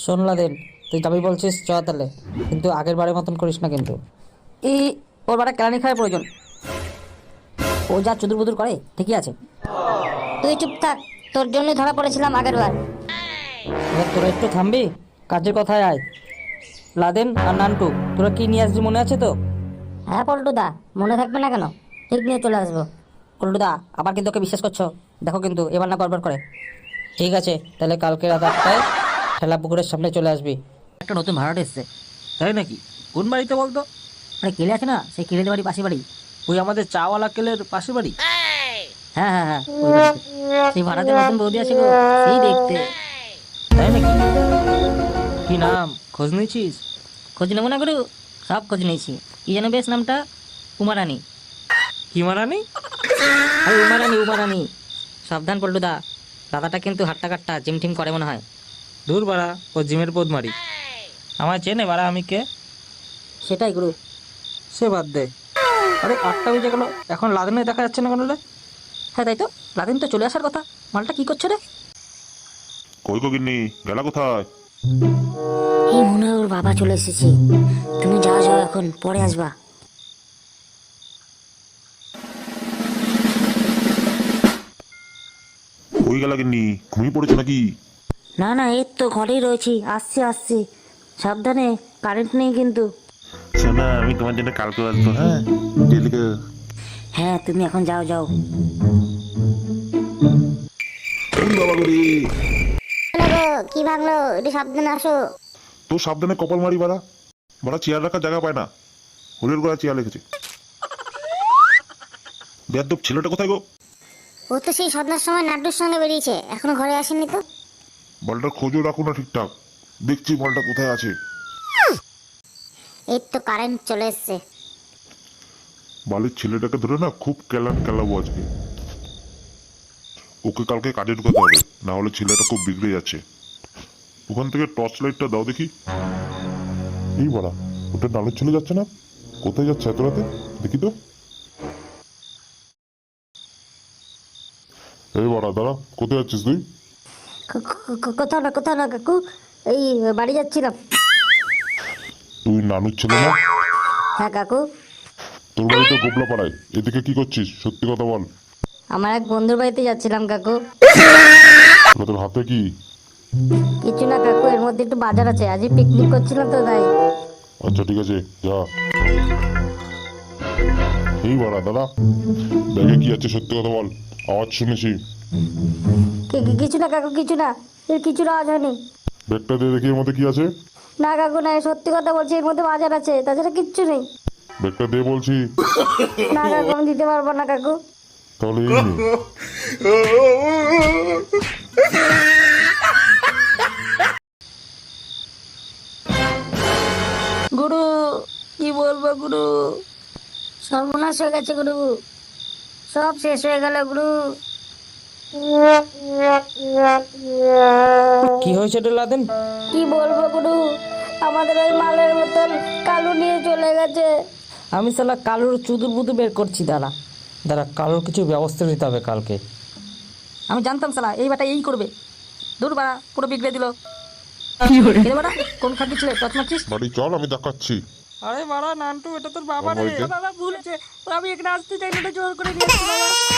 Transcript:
শোন লাদেন, তুই যাবি বলছিস চ তাহলে, কিন্তু আগের বারের মতন করিস না কিন্তু। এই ওর বারে কেলানি খাওয়ার প্রয়োজন। ও যা চুদুর বুদুর করে ঠিকই আছে। তুই চুপ থাক, তোর জন্যই ধরা পড়েছিলাম আগের বার। এবার তোরা একটু থামবি, কাজের কথায় আয়। লাদেন আর নান্টু, তোরা কি নিয়ে আসবি মনে আছে তো? হ্যাঁ পল্টুদা, মনে থাকবে না কেন, ঠিক নিয়ে চলে আসবো। পল্টুদা, আবার কিন্তু ওকে বিশ্বাস করছো? দেখো কিন্তু এবার না গড়বড় করে। ঠিক আছে, তাহলে কালকে রাত 8টায় ঠেলা পুকুরের সামনে চলে আসবি। একটা নতুন ভাড়াট এসছে। তাই নাকি? কোন বাড়িতে বলতো? আরে কেলে আছে না, সেই কেলেদের বাড়ি, পাশে বাড়ি। ওই আমাদের চাওয়ালা কেলের পাশে বাড়ি। হ্যাঁ হ্যাঁ হ্যাঁ, ওই বাড়িতে। সেই ভাড়াতে নতুন বৌদি আছে গো, সেই দেখতে। তাই নাকি? কি নাম, খোঁজ নিয়েছিস? খোঁজ নেবো না গুরু, সব খোঁজ নিয়েছি। কি যেন বেশ নামটা? উমারানি। কি মারানি? আরে উমারানি উমারানি। সাবধান পল্টুদা, দাদাটা কিন্তু হাট্টা কাট্টা জিম টিম করে মনে হয়। দূর বাড়া, ও জিমের পোদ মারি। আমায় চেনে বাড়া, আমি কে? সেটাই গুরু। সে বাদ দে। আরে 8টা বেজে গেল, এখন লাদেনে দেখা যাচ্ছে না কেন রে? হ্যাঁ তাই তো, লাদিন তো চলে আসার কথা। মালটা কি করছে রে? কই গো গিন্নি, গেলা কোথায়? এই মনে হয় ওর বাবা চলে এসেছে। তুমি যাও যাও, এখন পরে আসবা। কই গেলা গিন্নি, ঘুমিয়ে পড়েছো নাকি? না না, এই তো ঘরেই রয়েছি, আসছি আসছি। সাবধানে, কারেন্ট নেই কিন্তু। শোনা, আমি তোমার জন্য কালকে আসবো। হ্যাঁ, ডেলিকে। হ্যাঁ তুমি এখন যাও যাও। বাবা গরি, কি ভাঙলো, একটু সাবধানে আসো। তোর সাবধানে কপাল মারি বাড়া। বাড়া চেয়ার রাখার জায়গা পায় না, হোলের গোড়া চেয়ার রেখেছে। বেয়াদব ছেলেটা কোথায় গো? ও তো সেই সন্ধ্যার সময় নাট্যর সঙ্গে বেরিয়েছে, এখনো ঘরে আসেনি তো। বলটার খোঁজও রাখো না ঠিকঠাক, দেখছি বলটা কোথায় আছে। এই তো কারেন্ট চলে এসছে। বালির ছেলেটাকে ধরে না খুব কেলাবো আজকে। ওকে কালকে কাজে ঢুকাতে হবে, না হলে ছেলেটা খুব বিগড়ে যাচ্ছে। ওখান থেকে টর্চ লাইটটা দাও দেখি। এই বাড়া, ওটা নালের ছেলে যাচ্ছে না? কোথায় যাচ্ছে এত রাতে? দেখি তো। এই বাড়া দাঁড়া, কোথায় যাচ্ছিস তুই? কোথাও না কাকু, এই বাড়ি যাচ্ছিলাম। তুই নানুর ছেলে না? হ্যাঁ কাকু। তোর বাড়ি তো গোবলা পাড়ায়, এদিকে কি করছিস সত্যি কথা বল। আমার এক বন্ধুর বাড়িতে যাচ্ছিলাম কাকু। ওটা তোর হাতে কি? কিছু না কাকু, এর মধ্যে একটু বাজার আছে, আজই পিকনিক করছিলাম তো তাই। আচ্ছা ঠিক আছে, যা। এই বাড়া দাঁড়া, ব্যাগে কি আছে সত্যি কথা বল, আওয়াজ শুনেছি। কিছু না কাকু, কিছু না, এর কিছু আওয়াজ হয়নি। ব্যাগটা দিয়ে দেখি এর মধ্যে কি আছে। না কাকু না, সত্যি কথা বলছি, এর মধ্যে বাজার আছে, তাছাড়া কিচ্ছু নেই। ব্যাগটা দিয়ে বলছি। না কাকু, আমি দিতে পারবো না কাকু। তাহলে এই নে। গুরু, কি বলবো গুরু, সর্বনাশ হয়ে গেছে গুরু, সব শেষ হয়ে গেল গুরু। কি হয়েছে রে লাদেন? কি বলবো গুরু, আমাদের ওই মালের বোতল কালু নিয়ে চলে গেছে। আমি শালা কালুর চুদুর বুদু বের করছি, দাঁড়া দাঁড়া, কালুর কিছু ব্যবস্থা নিতে হবে কালকে। আমি জানতাম শালা এই বাটা এই করবে। দূর বাড়া, পুরো বিগড়ে দিল। এরে বাড়া, কোন খাদ্য ছিল টচ মারছিস? বাড়ি চল, আমি দেখাচ্ছি। আরে বাড়া নান্টু, এটা তোর বাবা আমার রে। বাড়িতে? বাবা ভুলেছে, আমি এখানে আসতে চাইলে জোর করে নিয়ে আসছি বাবা।